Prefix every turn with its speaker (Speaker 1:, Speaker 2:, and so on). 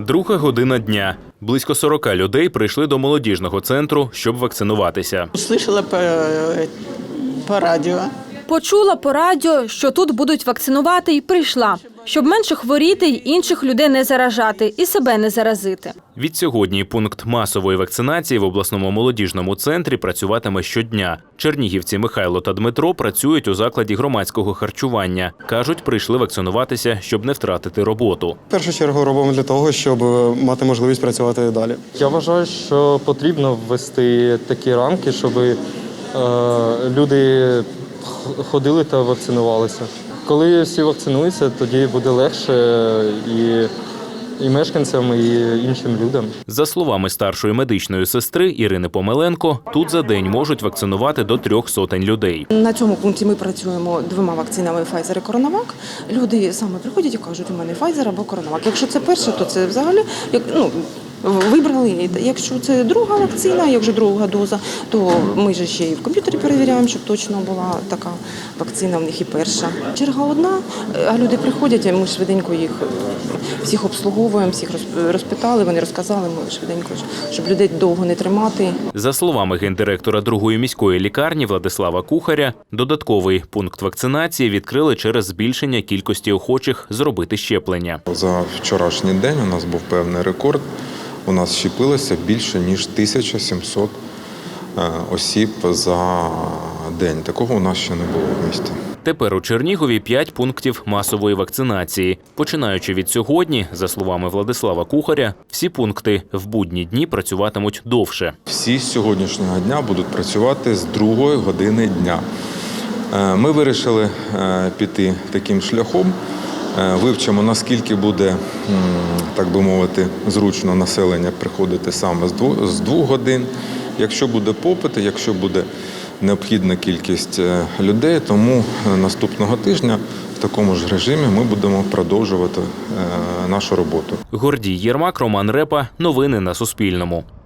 Speaker 1: Друга година дня. Близько 40 людей прийшли до молодіжного центру, щоб вакцинуватися.
Speaker 2: Услышала по радіо.
Speaker 3: Почула по радіо, що тут будуть вакцинувати, і прийшла, щоб менше хворіти й інших людей не заражати і себе не заразити.
Speaker 1: Відсьогодні пункт масової вакцинації в обласному молодіжному центрі працюватиме щодня. Чернігівці Михайло та Дмитро працюють у закладі громадського харчування. Кажуть, прийшли вакцинуватися, щоб не втратити роботу.
Speaker 4: В першу чергу робимо для того, щоб мати можливість працювати далі.
Speaker 5: Я вважаю, що потрібно ввести такі рамки, щоб люди ходили та вакцинувалися. Коли всі вакцинуються, тоді буде легше і мешканцям, і іншим людям.
Speaker 1: За словами старшої медичної сестри Ірини Помеленко, тут за день можуть вакцинувати до 300 людей.
Speaker 6: На цьому пункті ми працюємо 2 вакцинами Pfizer і CoronaVac. Люди саме приходять і кажуть, у мене Pfizer або CoronaVac. Якщо це перше, то це взагалі вибрали. Якщо це друга вакцина, як вже друга доза, то ми ж ще і в комп'ютері перевіряємо, щоб точно була така вакцина в них і перша. Черга одна, а люди приходять, а ми швиденько їх всіх обслуговуємо, всіх розпитали, вони розказали, ми швиденько, щоб людей довго не тримати.
Speaker 1: За словами гендиректора 2-ї міської лікарні Владислава Кухаря, додатковий пункт вакцинації відкрили через збільшення кількості охочих зробити щеплення.
Speaker 7: За вчорашній день у нас був певний рекорд. У нас щепилося більше, ніж 1700 осіб за день. Такого у нас ще не було в місті.
Speaker 1: Тепер у Чернігові 5 пунктів масової вакцинації. Починаючи від сьогодні, за словами Владислава Кухаря, всі пункти в будні дні працюватимуть довше.
Speaker 7: Всі з сьогоднішнього дня будуть працювати з 2 години дня. Ми вирішили піти таким шляхом. Вивчимо, наскільки буде, так би мовити, зручно населення приходити саме з 2 годин. Якщо буде попит, якщо буде необхідна кількість людей, тому наступного тижня в такому ж режимі ми будемо продовжувати нашу роботу.
Speaker 1: Гордій Єрмак, Роман Репа. Новини на Суспільному.